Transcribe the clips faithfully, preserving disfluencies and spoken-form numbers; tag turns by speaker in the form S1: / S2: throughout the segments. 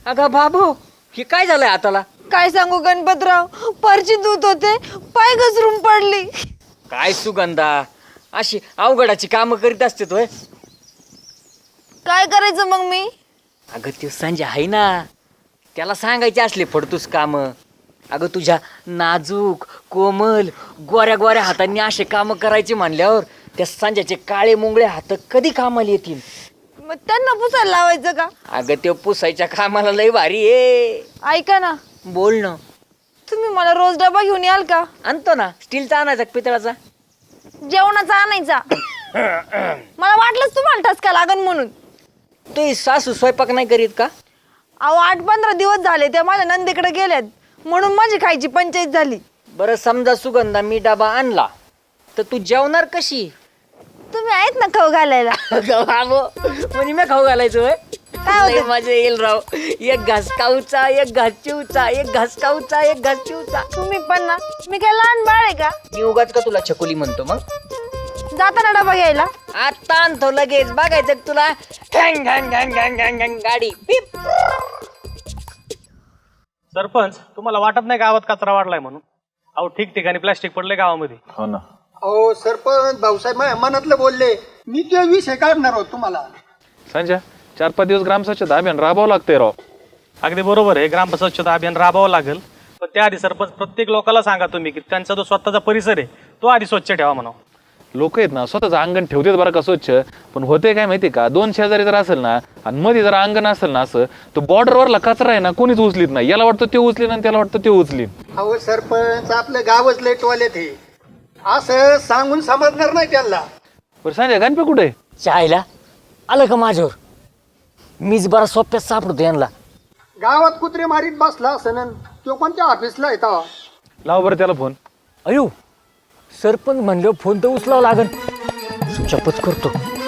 S1: अगं बाबू हे काय झालंय हाताला?
S2: काय सांगू गणपतराव, परची दूत होते, पाय घसरून पडली.
S1: काय सुगंधा, अशी अवघडाची कामं करीत असते तोय.
S2: काय करायचं मग मी?
S1: अगं ते संजय आहे ना, त्याला सांगायचे असले फडतूस काम. अगं तुझ्या नाजूक कोमल गोऱ्या गोऱ्या हातांनी असे काम करायचे म्हणल्यावर त्या संजयचे काळे मुंगळे हात कधी कामाला येतील?
S2: मग त्यांना पुसायला लावायचं का?
S1: अगं ते पुसायच्या कामाला लय भारी आहे.
S2: ऐका ना,
S1: बोल ना.
S2: तुम्ही मला रोज डबा घेऊन याल का?
S1: आणतो ना. स्टीलचा आणायचा का पितळाचा?
S2: जेवणाचा आणायचा. मला वाटलंच तुम्हाला ठसका लागन म्हणून.
S1: ते सासू स्वयंपाक नाही करीत का?
S2: अहो आठ पंधरा दिवस झाले त्या माझ्या नंदीकडे गेल्यात, म्हणून माझी खायची पंचायत झाली.
S1: बरं समजा सुगंधा मी डबा आणला तर तू जेवणार कशी?
S2: तुम्ही आहेत ना खाऊ घालायला.
S1: म्हणजे मी खाऊ घालायचो होय?
S2: काय
S1: लय मजा येईल राव. एक घास खाऊचा, एक घास चिवचा, एक घास खाऊचा, एक घास चिवचा.
S2: तुम्ही पण ना, मी काय लहान बाळ आहे का?
S1: मी उगाच का तुला छकुली म्हणतो मग?
S2: जाताना डबा घ्यायला
S1: आता आणतो लगेच. बघायचं का तुला? घॅंग घॅंग घॅंग घॅंग घॅंग घॅंग गाडी पिप.
S3: सरपंच, तुम्हाला वाटत नाही गावात कचरा वाढलाय म्हणून? अहो ठिकठिकाणी प्लास्टिक पडले गावामध्ये.
S4: हो ना.
S5: अहो सरपंच भाऊसाहेब माझ्या मनातलं बोलले, मी ते विषय काढणार आहोत तुम्हाला.
S4: संजय, चार पाच दिवस ग्राम स्वच्छता अभियान राबवावं लागतंय राव.
S3: अगदी बरोबर आहे, ग्राम स्वच्छता अभियान राबवावं लागेल. पण त्याआधी सरपंच प्रत्येक लोकांना सांगा तुम्ही की त्यांचा जो स्वतःचा परिसर आहे तो आधी स्वच्छ ठेवा म्हणा.
S4: लोक आहेत ना स्वतःचं अंगण ठेवतात बरं का स्वच्छ, पण होते काय माहिती का, दोन शेजारी जर असेल ना आणि मध्ये जर अंगण असेल ना असं, तो बॉर्डरवरला कचरा आहे ना कोणीच उचलीत नाही. याला वाटतं ते उचलीन आणि त्याला वाटतं ते उचलीन.
S5: अहो सरपंच आपलं गावच लय टॉयलेट आहे, असं सांगून समजणार नाही त्यांना.
S4: बरं संजय, गणपे कुठे?
S1: चायला आलं का माझ्यावर? मीच बरा सोप्यात सापडतो यांना.
S5: गावात कुत्रे मारीत बसला असं, तो कोणत्या ऑफिसला येता?
S4: लाव बरं त्याला फोन.
S1: अयो, सरपंच म्हणलं फोन तर उचलावं लागन. सुचापच करतो.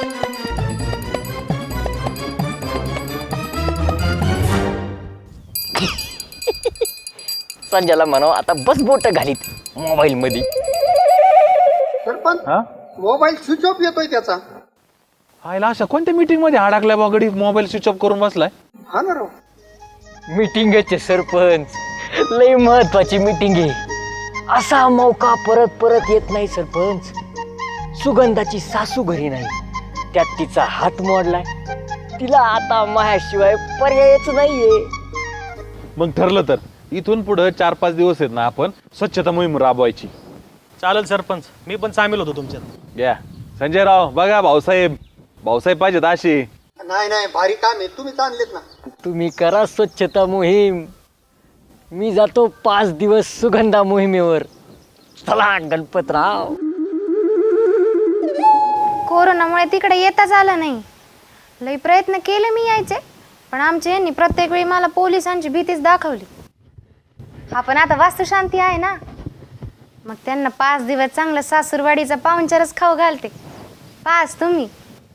S1: संजयला म्हणाव आता बस बोट घालीत मोबाईल मध्ये.
S5: सरपंच
S4: हा
S5: मोबाईल स्विच ऑफ येतोय त्याचा.
S4: आयला अशा कोणत्या मीटिंग मध्ये अडकल्या बागडी मोबाईल स्विच ऑफ करून बसलाय?
S5: हा ना राव.
S1: मीटिंगचे सरपंच, लय महत्वाची मीटिंग आहे. असा मौका परत परत येत नाही सरपंच. सुगंधाची सासू घरी नाही, त्यात तिचा हात मोडलाय. तिला आता माझ्याशिवाय पर्यायच नाहीये.
S4: मग ठरलं तर इथून पुढे चार पाच दिवस आहेत ना आपण स्वच्छता मोहीम राबवायची.
S3: चालेल सरपंच, मी पण सामील होतो तुमच्यात.
S4: या संजय राव, बघा भाऊसाहेब भाऊसाहेब पाहिजेत अशी.
S5: नाही नाही भारी काम आहे, तुम्हीच आणलेत ना.
S1: तुम्ही करा स्वच्छता मोहीम, मी जातो पाच दिवस सुगंधा मोहिमेवर. चला गणपतराव.
S6: कोरोनामुळे तिकडे येताच आलं नाही. लई प्रयत्न केले मी यायचे, पण आमच्या यांनी प्रत्येक वेळी मला पोलिसांची भीतीच दाखवली. आपण आता वास्तुशांती आहे ना, मग त्यांना पाच दिवस चांगलं सासूरवाडीचा पाहुणचारच खाऊ घालते. पाच तुम्ही.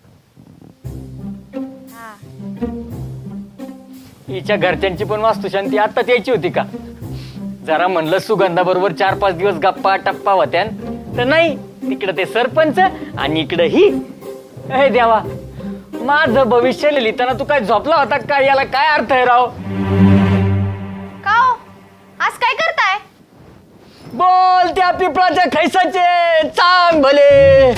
S1: हिच्या घरच्यांची पण वास्तुशांती आत्ताच यायची होती का? जरा म्हणलं सुगंधा बरोबर चार पाच दिवस गप्पा टप्पा होत्या, तर नाही. तिकडं ते सरपंच आणि इकडं ही. हे देवा, माझं भविष्य लिहिताना तू काय झोपला होता काय? याला काय अर्थ आहे राव?
S6: का हो? आज काय करताय?
S1: बोल त्या पिपळाच्या खैसाचे चांग भले.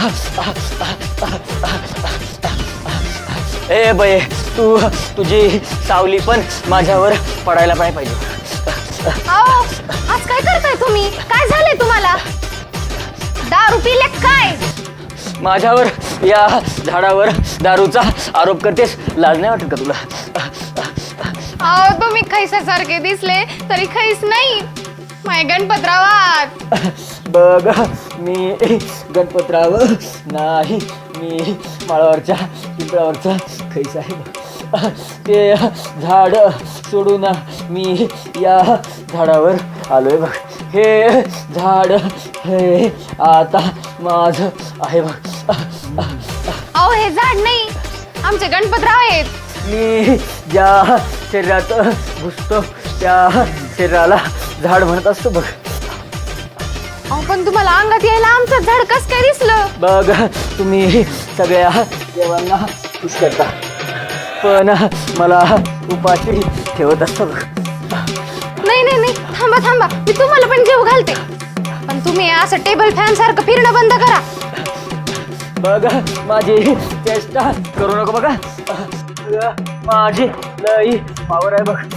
S1: ए बये, तू तुझी सावली पण माझ्यावर पडायला पाहिजे.
S6: अहो, आज काय करताय तुम्ही? काय झालंय तुम्हाला? दारू पिले काय?
S1: माझ्यावर या झाडावर दारूचा आरोप करतेस, लाज नाही वाटत का तुला?
S6: अहो, तुम्ही खैसासारखे दिसले तरी खैस नाही. माय गणपतरावात.
S1: बघ, मी गणपतराव नाही, मी माळावरच्या पिंपळावरचा खैस आहे. ते झाड सोडून मी या झाडावर आलोय बघ. हे झाड हे आता माझं आहे बघ.
S6: अहो, हे झाड नाही, आमचे गणपतराव आहेत.
S1: मी ज्या शरीरात घुसतो त्या शरीराला झाड म्हणत असतो बघ.
S6: अहो, पण तुम्हाला अंगात यायला आमचं झाड कस काय दिसलं?
S1: बघ, तुम्ही सगळ्या देवांना खुश करता, पण मला उपाशी ठेवत असतो बघ.
S6: नाही नाही नाही थांबा थांबा मी तुम्हाला पण जेव घालते पण तुम्ही असं टेबल फॅन सारखं फिरणं बंद करा.
S1: बघ माझी चेष्टा करू नको बघा. माझी लई पावर आहे बघ.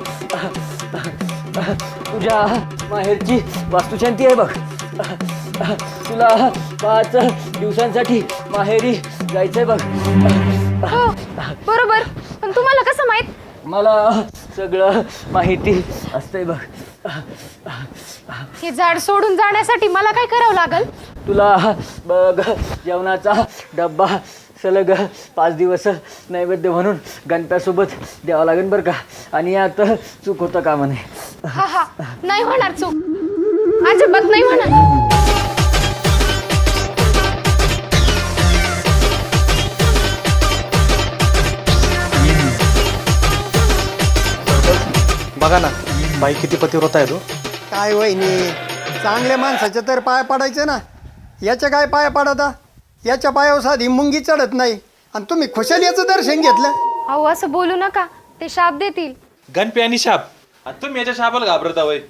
S1: तुझ्या माहेरची वास्तुशांती आहे बघ. तुला पाच दिवसांसाठी माहेरी जायचंय बघ.
S6: हो बरोबर पण तुम्हाला कसं माहित?
S1: मला सगळं माहिती असतंय बघ.
S6: हे झाड सोडून जाण्यासाठी मला काय करावं लागल?
S1: तुला बघ जेवणाचा डब्बा सलग पाच दिवस नैवेद्य म्हणून गणप्यासोबत द्यावा लागेल बरं का. आणि यात चूक होतं का म्हणे.
S6: हा हा नाही होणार चूक अजिबात नाही होणार.
S3: बघा ना बाई किती पतिव्रत आहे तो.
S5: काय वहिनी चांगल्या माणसाच्या तर पाय पडायचे ना. याच्या काय पाय पडता. याच्या पायावर साधी मुंगी चढत नाही आणि तुम्ही खुशाल याचं दर्शन घेतलं.
S6: अहो असं बोलू नका ते शाप देतील.
S4: गणपी आणि शाप आणि तुम्ही याच्या शापाला घाबरता वय.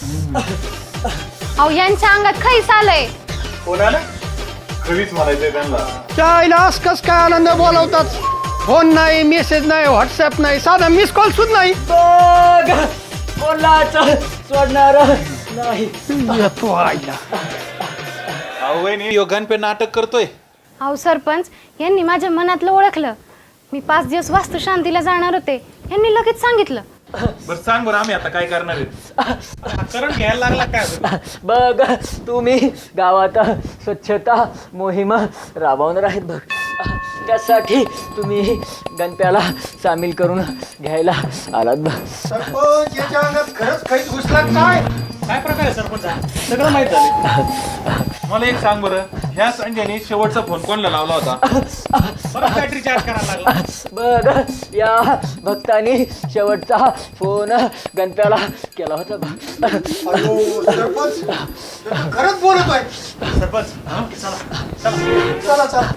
S6: अहो यांच्या अंगात खैस आलंय.
S4: कोणाला खरीच म्हणायचंय त्यांना.
S5: चायला आस कस काय आनंद बोलावतात. फोन नाही मेसेज नाही व्हॉट्सअप नाही साधा मिस कॉल सुद्धा नाही.
S1: बघ कोणाच सोडणार नाही.
S5: येतो आईला.
S4: अहो वहिनी यो गणपी नाटक करतोय.
S6: अहो सरपंच यांनी माझ्या मनातलं ओळखलं. मी पाच दिवस वास्तुशांतीला जाणार होते यांनी लगेच सांगितलं.
S4: बरं सांग बरं आम्ही आता काय करणार आहे.
S3: करून घ्यायला लागला काय.
S1: बघ तुम्ही गावात स्वच्छता मोहीम राबवणार आहेत बघ. त्यासाठी तुम्ही गणप्याला सामील करून घ्यायला आलात बघ.
S5: सरपंच याच्या अंगात खरंच काही घुसला काय.
S3: काय प्रकार आहे सरपंच सगळं माहित झालं.
S4: मला एक सांग बरं ह्या संजयने शेवटचा फोन कोणला लावला होता.
S3: परत बॅटरी चार्ज करायला लागला.
S1: बघ या भक्तानी शेवटचा फोन गणप्याला केला होता बघ.
S5: अयो, सरपंच खरंच बोलत आहे.
S3: सरपंच चला चला
S5: चला चला